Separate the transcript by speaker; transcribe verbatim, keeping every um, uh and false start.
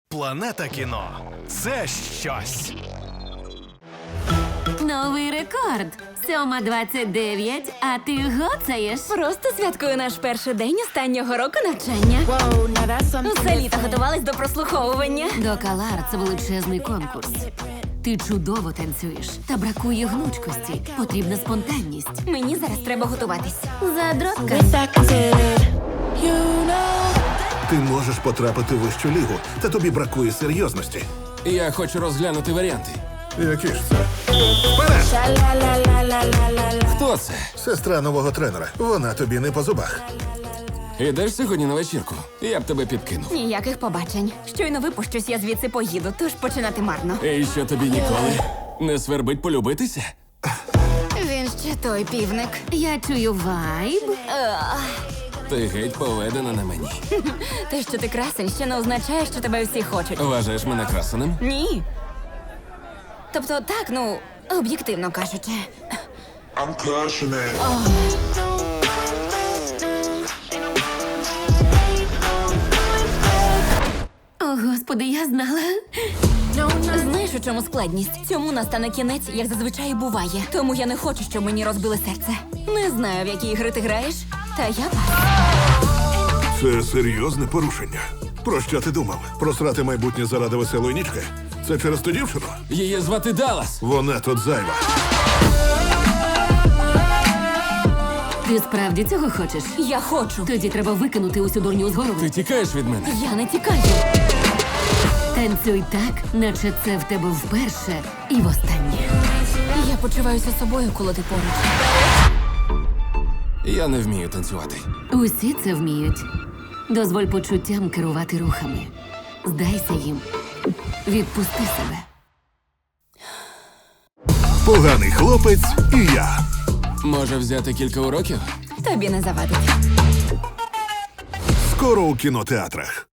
Speaker 1: Планета кіно – це щось.
Speaker 2: Новий рекорд. сьома двадцять дев'ять, а ти гоцаєш.
Speaker 3: Просто святкую наш перший день останнього року навчання.
Speaker 4: Whoa, now that's something
Speaker 3: Усе літо
Speaker 4: different.
Speaker 3: готувались до прослуховування.
Speaker 2: Докалар – це величезний конкурс. Ти чудово танцюєш, та бракує гнучкості. Потрібна спонтанність.
Speaker 3: Мені зараз треба готуватись.
Speaker 2: Задротка.
Speaker 4: With that considered, you know.
Speaker 5: Ти можеш потрапити в вищу лігу, та тобі бракує серйозності.
Speaker 6: Я хочу розглянути варіанти.
Speaker 5: Які ж це? Вперед!
Speaker 4: Sha-la-la-la-la-la-la-la.
Speaker 6: Хто це?
Speaker 5: Сестра нового тренера. Вона тобі не по зубах.
Speaker 6: Ідеш сьогодні на вечірку? Я б тебе підкинув.
Speaker 3: Ніяких побачень. Щойно випущусь, я звідси поїду, тож починати марно.
Speaker 6: І що тобі ніколи не свербить полюбитися?
Speaker 3: Він ще той півник.
Speaker 2: Я чую вайб.
Speaker 6: Ти геть поведена на мені.
Speaker 3: Те, що ти красень, ще не означає, що тебе всі хочуть.
Speaker 6: Вважаєш мене красеним?
Speaker 3: Ні. Тобто, так, ну, об'єктивно кажучи.
Speaker 7: I'm crushing it.
Speaker 2: О, Господи, я знала.
Speaker 3: Знаєш, у чому складність? Цьому настане кінець, як зазвичай і буває. Тому я не хочу, щоб мені розбили серце. Не знаю, в які ігри ти граєш, та я пас.
Speaker 5: Це серйозне порушення. Про що ти думав? Просрати майбутнє заради веселої нічки? Це через ту дівчину?
Speaker 6: Її звати Даллас.
Speaker 5: Вона тут зайва.
Speaker 2: Ти справді цього хочеш?
Speaker 3: Я хочу.
Speaker 2: Тоді треба викинути усю дурню з голови.
Speaker 6: Ти тікаєш від мене?
Speaker 3: Я не тікаю.
Speaker 2: Танцюй так, наче це в тебе вперше і востаннє.
Speaker 3: Я почуваюся собою, коли ти поруч.
Speaker 6: Я не вмію танцювати.
Speaker 2: Усі це вміють. Дозволь почуттям керувати рухами. Здайся їм. Відпусти себе.
Speaker 5: Поганий хлопець і я.
Speaker 6: Може взяти кілька уроків?
Speaker 3: Тобі не завадить.
Speaker 5: Скоро у кінотеатрах.